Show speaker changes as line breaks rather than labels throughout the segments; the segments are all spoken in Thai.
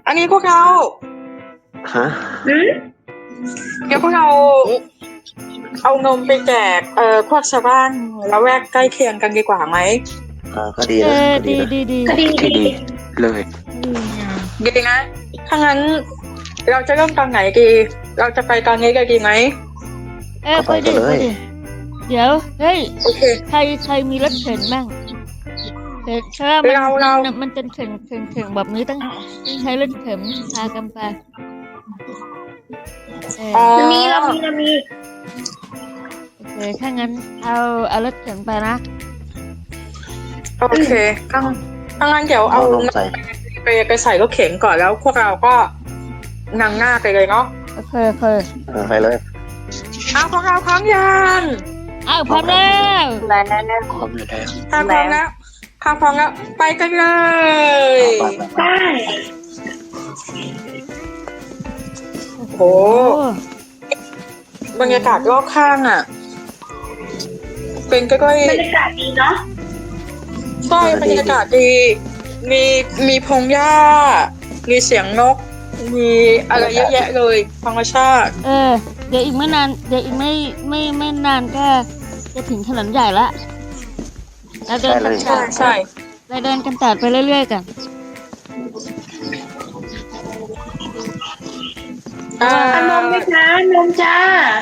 อันนี้พวกเรา
ฮะ
เดี๋ยวพวกเราเอานมไปแจกพวกชาวบ้านละแวกใกล้เคียงกันดีกว่าไหม
ก็ดีนะก็ดี
ดี
นะ
ดี
ที่ดีเลย
ดีนะถ้างั้นเราจะเริ่มตอนไหนดี เราจะไปตอนนี้เลยดีไหม
ไปดิเดี๋ยวเฮ้ย
โอเค
ใครมีรถเข็นบ้างเพราะว่ามันเป็นเข็นแบบนี้ต้องใช้รถเข็นพากันไป
อ๋อ
เรามี
โอเคถ้างั้นเอารถเข็นไปนะ
โอเคถ้างั้นเดี๋ยวเอา
ลงใส่
ไปใส่รถเข็นก่อนแล้วพวกเราก็นั่งหน้าไปเลยเนาะ
โอเค
ไปเลย
เอาพวกเราพร้อมยัง
อ้าวพร้อมแล้ว
พร้อมอยู่แล้ว
ถ้าพร้อมแล้วไปกันเลย
ไป
ได้
โอ้โหบรรยากาศรอบข้างอ่ะ เป็นใกล้
บรรยากาศดีเนาะ
ๆใช่บรรยากาศดี มีพงหญ้า มีเสียงนก มีอะไรเยอะแยะเลยธรรมชาติ
เดี๋ยวอีกไม่นานก็จะถึงถนนใหญ่ละเราเดินกัน
ใช่
เราเดินกันต่อไปเรื่อยๆกัน
นมไหมคะนมจ้า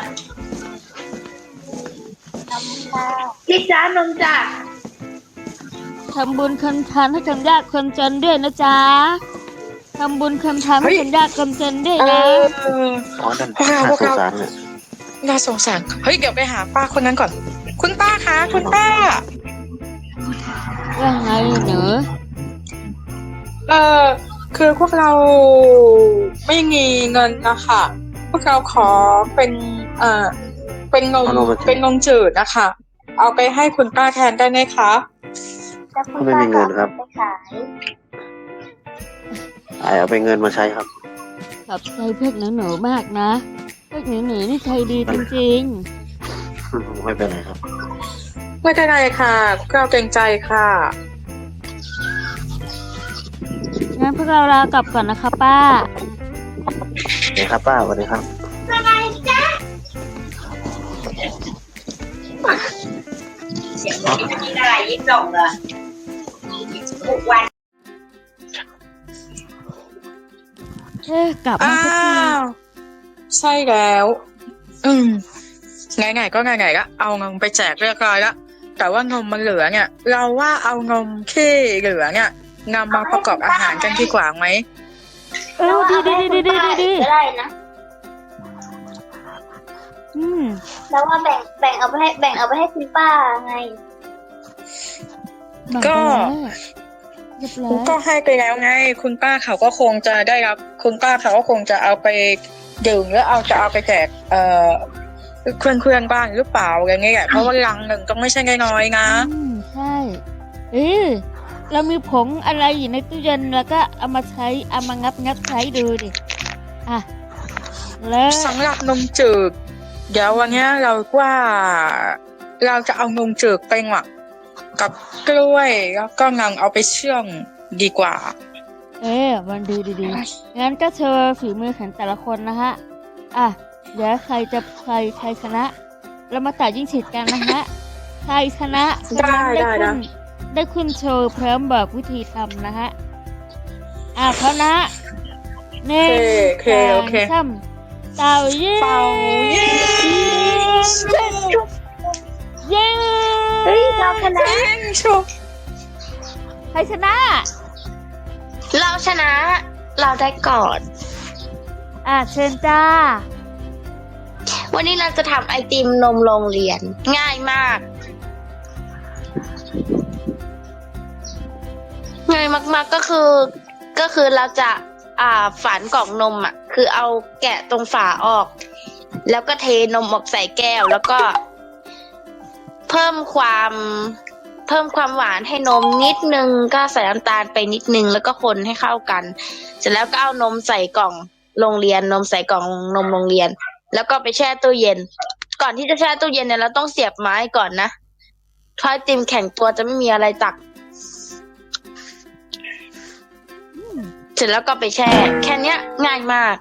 พี่จ้านมจ้า
ทำบุญคนทานให้คนยากคนจนด้วยนะจ๊ะทำบุญคนทานให้คนยากคนจนด้วยนะ
อ๋อนั่นน่าสงสารเนี่ย
น่าสงสารเฮ้ยเดี๋ยวไปหาป้าคนนั้นก่อน คุณป้าคะคุณป้า
ว่าไงหนู
คือพวกเราไม่มีเงินนะคะพวกเราขอเป็นเป็นนมจืดนะคะเอาไปให้คุณป้าแทนได้ไหมคะ
ไม่มีเงินครับเอาไปเงินมาใช้ครับ
ขอบใจพวกหนูมากนะพวกหนูนี่ใจดีจริง
ไม่เป็นไรครับ
ไม่เป็นไรค่ะพวกเราเกรงใจค่ะ
ๆงั้นพวกเราลากลับก่อนนะคะป้า
เดี๋ยวครับป้าสวัสดีครับ
เสียงนี้มันมีอะไรยิ่งส่งเลยทุกวัน
กลับมาสักที
ใช่แล้ว ไงๆก็ไงๆก็เอานมไปแจกเรียบร้อยแล้วแต่ว่านมมันเหลือเนี่ย เราว่าเอานมที่เหลือเนี่ยนำมาประกอบอาหารกันดีกว่าไหม
ดี
ก็ได้นะ แล้วว่าแบ่งเอาไปให้คุณป้าไง
เรียบร้อย
ก็ให้ไปแล้วไงคุณป้าเขาก็คงจะได้รับคุณป้าเขาก็คงจะเอาไปดื่มหรือจะเอาไปแจกเพื่อนบ้านหรือเปล่าอย่างเงี้ยเพราะว่าลังหนึ่งก็ไม่ใช่น้อยๆนะ
ใช่เรามีผงอะไรอยู่ในตู้เย็นแล้วก็เอามางับใช้ดูดิแล้ว
สำหรับนมจืดเดี๋ยววันนี้เราว่าเราจะเอานมจืดไปหมักกับกล้วยแล้วก็นำเอาไปเชื่อมดีกว่า
มันดีงั้นก็โชว์ฝีมือของแต่ละคนนะฮะเดี๋ยวใครชนะเรามาตัดยิ่งฉิดกันนะฮะใครชนะได้ขึ้นโชว์พร้อมบอกวิธีทำนะฮะพร้อมนะ
โอเค
ซ้ำเต่าเย้
เฮ้ยเราชนะ
ใครชนะ
เราชนะ เราได้ก่อน
เชิญจ้า
วันนี้เราจะทำไอติมนมโรงเรียน ง่ายมากง่ายมากๆก็คือเราจะฝานกล่องนมคือเอาแกะตรงฝาออก แล้วก็เทนมออกใส่แก้วแล้วก็ เพิ่มความหวานให้นมนิดนึงก็ใส่น้ำตาลไปนิดนึงแล้วก็คนให้เข้ากันเสร็จแล้วก็เอานมใส่กล่องโรงเรียนนมใส่กล่องนมโรงเรียนแล้วก็ไปแช่ตู้เย็นก่อนที่จะแช่ตู้เย็นเนี่ยเราต้องเสียบไม้ก่อนนะถ้าไอติมแข็งตัวจะไม่มีอะไรตักร็จแล้วก็ไปแช่ แค่เนี้ยง่ายมาก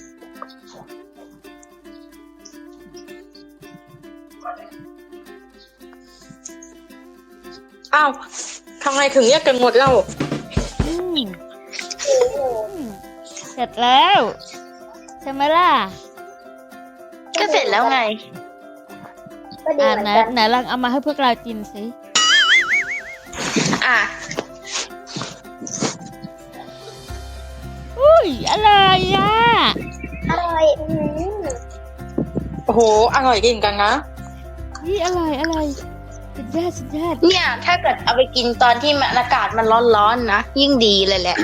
อ้าวทำไมถึงแยกกันหมดเล่า
อืมเสร็จแล้วใช่ไหมล่ะ
ก็เสร็จแล้วไง
ก็ดีเหมือน
ไหน
กัน
ไหนลองเอามาให้พวกเรากินสิ
อ่ะ
อุ้ยอะไรอ่ะ
อร่อย
โอ้โห อร่อยจริงกันนะ
นี่อะไรสุดยอดสุดยอด
เนี่ย ถ้าเกิดเอาไปกินตอนที่มันอากาศมันร้อนๆนะยิ่งดีเลยแหละ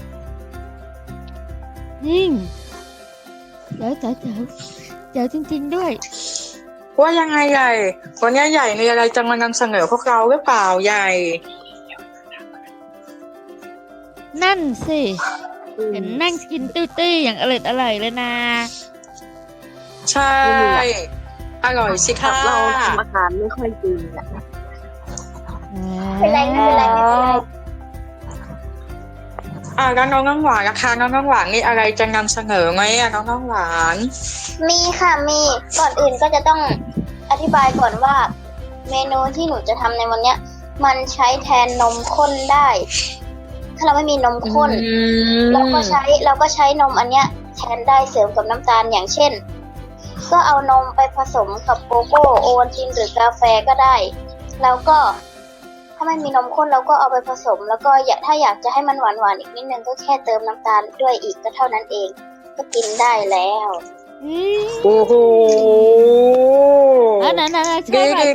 ยิ่งเจ๋วจริงๆด้วย
ว่ายังไงใหญ่ วันนี้ใหญ่มีอะไรจะมานำเสนอพวกเราหรือเปล่าใหญ่
นั่นสิเห็นนั่งกินตุ้ยๆอย่างอร่อยเลยนะ
ใช่ อร่อยสิค่ะ
เราทำอาหารไม่ค่อยดีอ่ะ
ไม่เป็นไรไม่เป็นไรไม่เป็นไร
แล้วน้องน้ำหวานนะคะน้องน้ำหวานนี่อะไรจะนำเสนอไหมน้องน้ำหวาน
มีค่ะมีก่อนอื่นก็จะต้องอธิบายก่อนว่า เมนูที่หนูจะทำในวันเนี้ย มันใช้แทนนมข้นได้ ถ้าเราไม่มีนมข้น เราก็ใช้นมอันเนี้ยแทนได้เสริมกับน้ำตาลอย่างเช่น ก็เอานมไปผสมกับโกโก้โอวัลตินหรือกาแฟก็ได้ แล้วก็ถ้าไม่มีนมข้นเราก็เอาไปผสม แล้วก็ถ้าอยากจะให้มันหวานๆอีกนิดนึงก็แค่เติมน้ำตาลด้วยอีกก็เท่านั้นเอง ก็กินได้แล้ว
โอ้โห
ไหนเช่หน่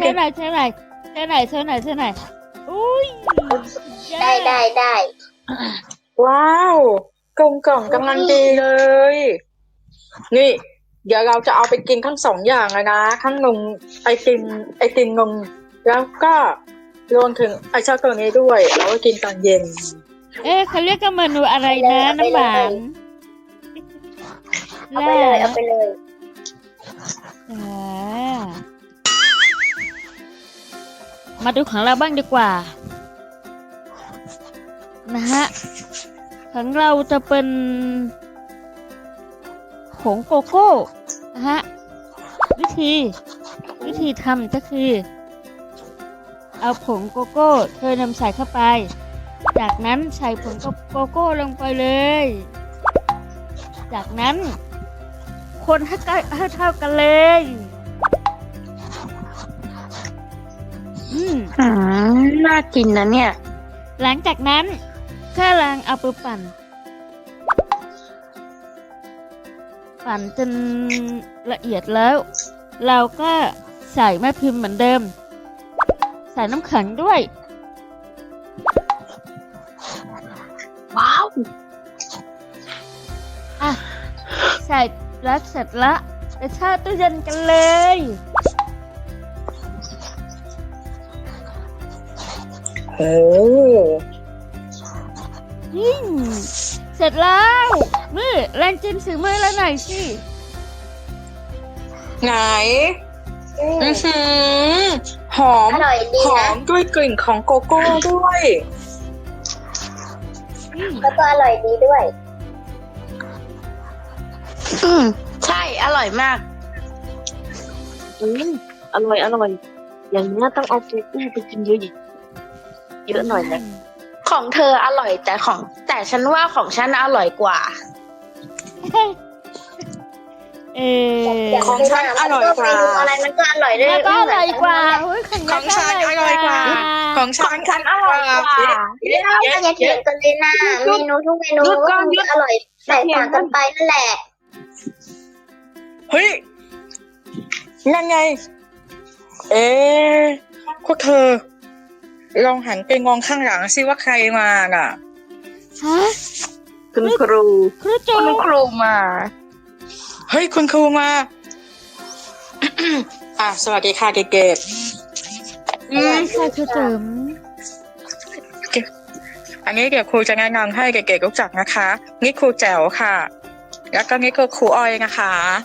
อยอุ้ย
ได้
ว้าวกลมกล่อมกำลังดีเลย นี่ เดี๋ยวเราจะเอาไปกินทั้งสองอย่างเลยนะทั้งนมไอติมนมแล้วก็รวมถึงไอช็อกโกแลตนี้ด้วยเราก็กินตอนเย็น
เขาเรียกกันเมนูอะไรนะน้ำหวาน
เอาไปเลย
มาดูของเราบ้างดีกว่า นะฮะของเราจะเป็นผงโกโก้นะฮะวิธีทำก็คือ เอาผงโกโก้เทน้ำใส่เข้าไป จากนั้นใส่ผงโกโก้ลงไปเลย จากนั้นคนให้เท่ากันเลย
น่ากินนะเนี่ย
หลังจากนั้นก็ล้างเอาไปปั่นจนละเอียดแล้ว เราก็ใส่แม่พิมพ์เหมือนเดิม ใส่น้ำแข็งด้วย
ว้าว
ใส่แล้วเสร็จละไปแช่ตู้เย็นกันเลย
โอ้
เสร็จแล้วนี่แรงจิ้มสีมือแล้วหน่อยสิ
ไหน อื้อหือหอม
อร่อยดี
หอ
นะ
มด้วยกลิ่นของโกโก้ด้วย
แล้วก็อร่อยดีด้วย
ใช่อร่อยมาก
อร่อย อย่างนี้ต้องเอาเกตี้ไปกินเยอะหน่อยนะ
ของเธออร่อยแต่ฉันว่าของฉันอร่อยกว่า
ของฉันอร่อยกว่า
เมนูอะไรมันก็อร่อยด้วย
แล้วก็อร่อยกว่าของ
ของฉันอร่อยกว่า ของฉันอร่อยกว่า
แล้วก็อย่าเถียงกันเลยนะเมนูทุกเมนูก็คงอร่อยแตกต่างกันไปนั่นแหละ
เฮ้ย นั่นไง พวกเธอ ลองหันไปมองข้างหลังสิว่าใครมาน่ะ
ฮะ
คุณครู
ครูจู
คุณครูมา
เฮ้ย คุณครูมา สวัสดีค่ะเกด
ค่ะครูจุ๋ม
อันนี้เดี๋ยวครูจะแนะนำให้เกดรู้จักนะคะ นี่ครูแจ๋วค่ะ แล้วก็นี่ก็ครูอ้อยนะคะ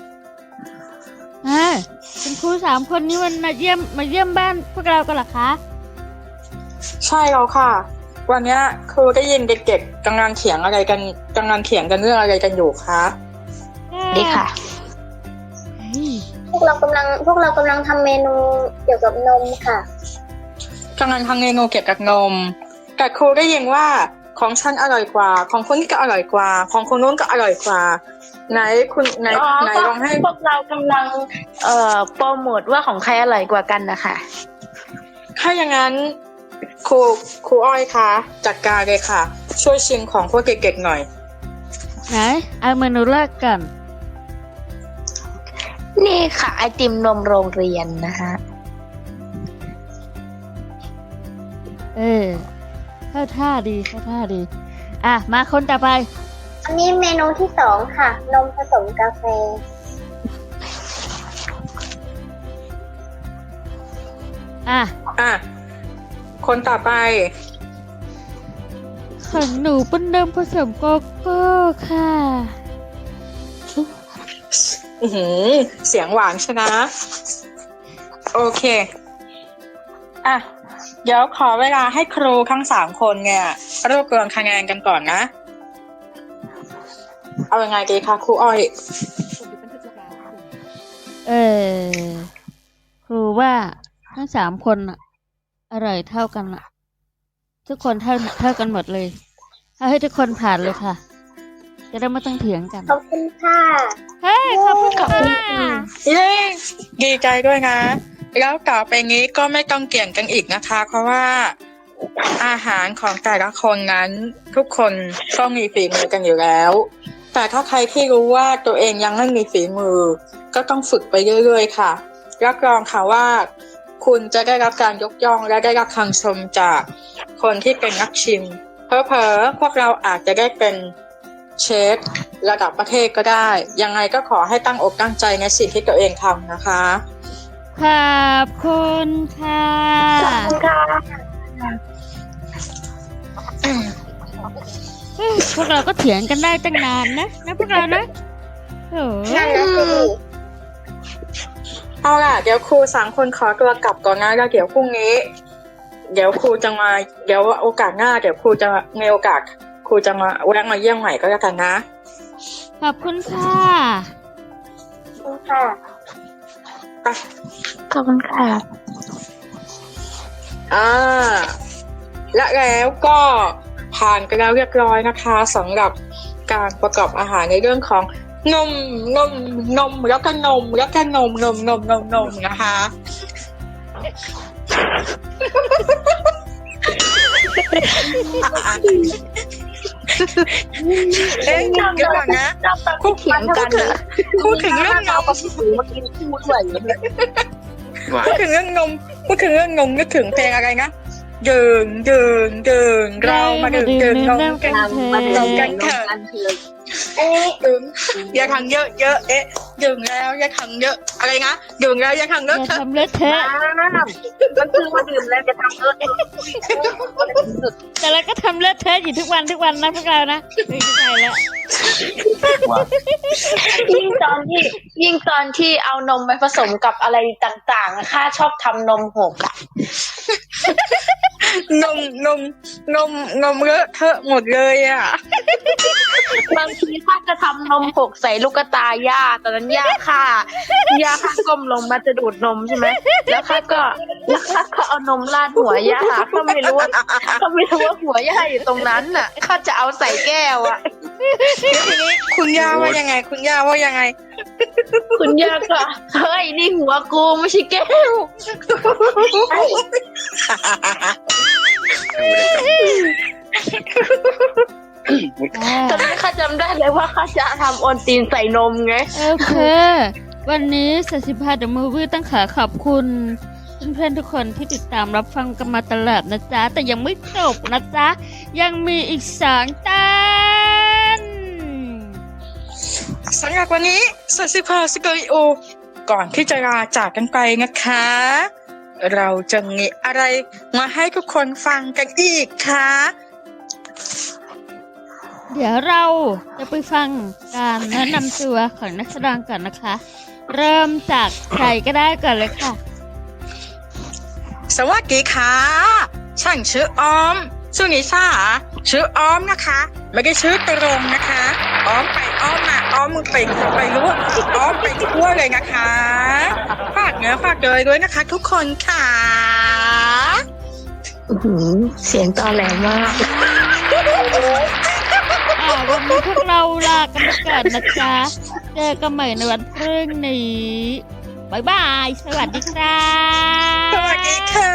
คุณครู3 คนนี้มันมาเยี่ยมบ้านพวกเรากันเหรอคะ
ใช่แล้วค่ะวันเนี้ยครูได้ยินเด็กๆกำลังเถียงอะไรกันกำลังเถียงกันเรื่องอะไรกันอยู่คะ
ดีค่ะ
เฮ้ย
พวกเรากำลังทำเมนูเกี่ยวกับนมค่ะ
กำลังทำเมนูเกี่ยวกับนมแต่ครูได้ยินว่าของฉันอร่อยกว่า ของคนนี้ก็อร่อยกว่า ของคนนู้นก็อร่อยกว่า ไหนคุณไหนลองให้
พวกเรากำลังโปรโมทว่าของใครอร่อยกว่ากันนะคะ
ถ้าอย่างนั้นครูอ้อยคะจัดการเลยค่ะ ช่วยชิมของพวกเด็กๆหน่อย
ไหนเอาเมนูแรกกัน
นี่ค่ะ ไอติมนมโรงเรียนนะคะ
เข้าท่าดีอ่ะมาคนต่อไป
อันนี้เมนูที่2ค่ะ นมผสมกาแฟ
อ่ะ
อ่ะคนต่อไป
ของหนูเป็นนมผสมโกโก้ค่ะ
อื้อหือเสียงหวานชนะ โอเคอ่ะเดี๋ยวขอเวลาให้ครูทั้ง3คนเนี่ยรวบรวมคะแนนกันก่อนนะ เอายังไงดีคะครูอ้อย
ครูว่าทั้ง3คนน่ะอร่อยเท่ากันน่ะ ทุกคนเท่ากันหมดเลยเอาให้ทุกคนผ่านเลยค่ะ จะได้ไม่ต้องเถียงกัน
ขอบคุณค่ะ
เฮ้ยขอบคุณค่ะ
เย้ดีใจด้วยนะ แล้วต่อไปนี้ก็ไม่ต้องเกี่ยงกันอีกนะคะ เพราะว่าอาหารของแต่ละคนนั้นทุกคนก็มีฝีมือกันอยู่แล้ว แต่ถ้าใครที่รู้ว่าตัวเองยังไม่มีฝีมือ ก็ต้องฝึกไปเรื่อยๆค่ะรับรองค่ะว่าคุณจะได้รับการยกย่องและได้รับคำชมจากคนที่เป็นนักชิมเผลอๆพวกเราอาจจะได้เป็นเชฟระดับประเทศก็ได้ ยังไงก็ขอให้ตั้งอกตั้งใจในสิ่งที่ตัวเองทำนะคะ
ขอบคุณค่ะ
ขอบคุณค่ะ
พวกเราก็เถียงกันได้ตั้งนานนะพวกเรานะโอ้
นั่นนะสิ
เอาล่ะเดี๋ยวครู3คนขอตัวกลับก่อนนะแล้วเดี๋ยวพรุ่งนี้ เดี๋ยวครูจะมาเดี๋ยวโอกาสหน้าเดี๋ยวครูจะมีโอกาสครูจะมาแวะมาเยี่ยมใหม่ก็แล้วกันนะ
ขอบคุณค่ะ
ขอบคุณค่ะ
ไป
ขอบคุณค่ะ
และแล้วก็ผ่านกันแล้วเรียบร้อยนะคะสำหรับการประกอบอาหารในเรื่องของนมแล้วก็นมนะคะเอ๊ะเดี๋ยวก่อนนะพูดถึงเรื่องนมพูดถึงเรื่องนมนึกถึงเพลงอะไรนะดื่มเรามาดื่มนมกัน
มาเดิน
กันเถอะ
กันเถอะ
ดื่มอย่าทำเยอะเอ๊ะดื่มแล้วอย่าทำเยอะอะไรนะดื่มแล้วอย่าทำเย
อ
อะ
ย่าทำเลอะเทอะ
มันคือมาดื่มแล้วจะทำเออ
แต่เราก็ทำเลอะเทอะอยู่ทุกวันนะพวกเรานะไม่ใช่แล้ว
ยิ่งตอนที่เอานมไปผสมกับอะไรต่างๆอะข้าชอบทำนมหกอะ
นมเลอะเทอะหมดเลยอ่ะ
บางทีข้าจะทำนมหกใส่ลูกตาย่าตอนนั้นย่าข้าก้มลงมาจะดูดนมใช่ไหมแล้วข้าก็เอานมราดหัวย่าข้าไม่รู้ว่าหัวย่าอยู่ตรงนั้นน่ะข้าจะเอาใส่แก้วอ่ะ
ทีนี้คุณย่าว่ายังไง
คุณย่าก็เฮ้ยนี่หัวกูไม่ใช่แก้วตอนนั้นข้าจำได้เลยว่าข้าจะทำโอนตีนใส่นมไง
โอเค วันนี้45 The Movie ต้องขอบคุณเพื่อนๆทุกคนที่ติดตามรับฟังกันมาตลอดนะจ๊ะแต่ยังไม่จบนะจ๊ะยังมีอีก2 ตอน
สำหรับวันนี้สัสิภาสกริโอก่อนที่จะลาจากกันไปนะคะ เราจะมีอะไรมาให้ทุกคนฟังกันอีกคะ
เดี๋ยวเราจะไปฟังการแนะนำตัวของนักแสดงก่อนนะคะ เริ่มจากใครก็ได้ก่อนเลยค่ะ
สวัสดีค่ะฉันชื่อออมชื่อนิชาชื่ออ้อมนะคะ ไม่ได้ชื่อตรงนะคะอ้อมไปอ้อมมาอ้อมมึงไปรู้อ้อมไปทั่วเลยนะคะฝากเนื้อฝากเลยด้วยนะคะ ทุกคนค่ะ
เสียงตอแหลมาก
วันนี้พวกเราลากันไปก่อนนะจ๊ะเจอกันใหม่ในวันพรุ่งนี้บ๊ายบาย สวัสดีครับ
สวัสดีค่ะ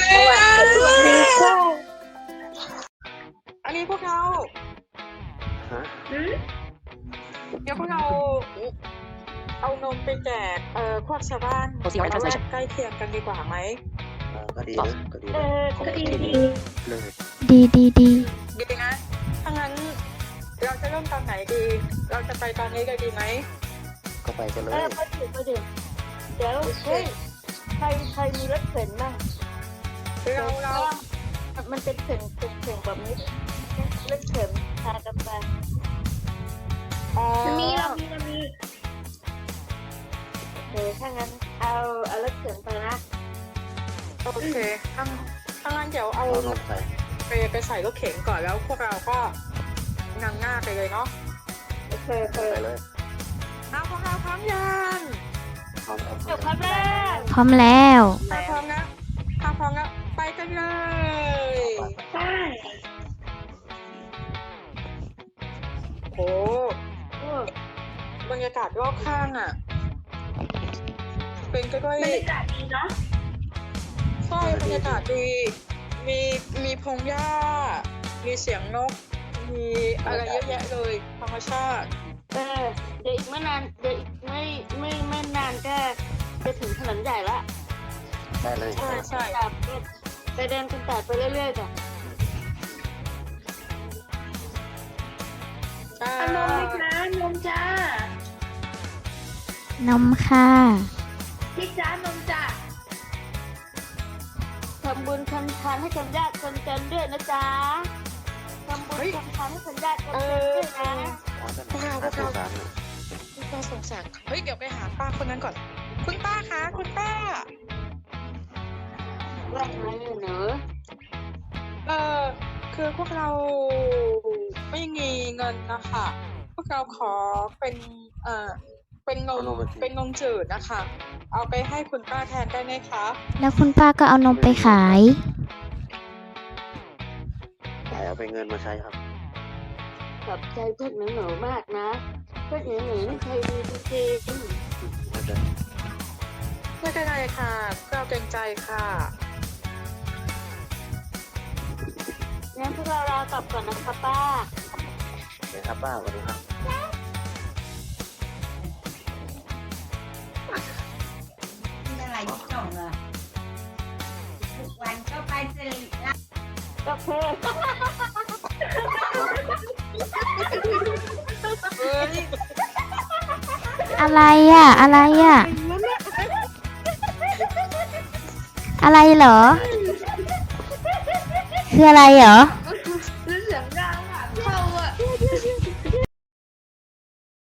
อันนี้พวกเรา
ฮะ
เดี๋ยวพวกเราเอานมไปแจกพวกชาวบ้านใกล้เคียงกันดีกว่าไหม
ก็ดีนะก็ดีนะ
ก็ดี
เลย
ดีดี
ดีนะถ้างั้นเราจะเริ่มตอนไหนดี เราจะไปตอนนี้เลยดีไหม
ก็ไปกันเลย
ไปถึงเดี๋ยวเฮ้ยใครมีรถเข็นบ้าง
เรา
มันเป็นเข็นแบบนี้รถเข็นพากันไป
อ๋อ
มีเรามี
ถ้างั้นเอารถเข็นไปนะ
โอเคถ้างั้นเดี๋ยวเอา
เอานมใส่
ไปใส่รถเข็นก่อนแล้วพวกเราก็นำหน้าไปเลยเนาะ
โอเค
ไปเลย
เอาพวกเราพร้อมยัง
พร้อม
เดี๋ยวครับแม่
พร้อมแล้ว
ถ้าพร้อมแล้วไปกันเลย
ใช่
โอ้บรรยากาศรอบข้างอ่ะ เป็นก็ด้วย
บรรยากาศดีเนาะ
ใช่บรรยากาศดีมีพงหญ้า มีเสียงนก มีอะไรเยอะแยะเลยธรรมชาติ
เดี๋ยวอีกไม่นานเดี๋ยวอีกไม่นานก็จะถึงถนนใหญ่ละ
ได้เลย
ใช่
ไปเดินกันแต่ไปเรื่อยๆจ้ะ
เอานมไหมคะนมจ้าน
มค่ะ
พี่จ้านมจ้า
ทำบุญทำทานให้คนยากคนจนด้วยนะจ๊ะทำบุญทำทานให้คนยากคนจนด้วยนะ
น่าสงสารเลย
น่าสงสารเฮ้ยเดี๋ยวไปหาป้าคนนั้นก่อน คุณป้าคะคุณป้า
ว่าไงหนู
คือพวกเราไม่มีเงินนะคะพวกเราขอเป็นนมจืดนะคะ เอาไปให้คุณป้าแทนได้ไหมคะ
แล้วคุณป้าก็เอานมไปขาย
แต่เอาไปเงินมาใช้ครับ
ขอบใจพวกหนูมากนะพวกหนูนี่ใจดีจริง
ไม่เป็นไรค่ะเราเกรงใจค่ะ
ๆงั้นพวกเราลากลับก่อนนะคะป้า
เดี๋ยวครับป้าสวัสดีครับ
อะไรที่ส่งอ่ะทุกวันก็ไปสิริราช
โอเค
เฮ้ย
อะไรอ่ะ อะไรอ่ะ อะไรเหรอ คืออะไรเหรอ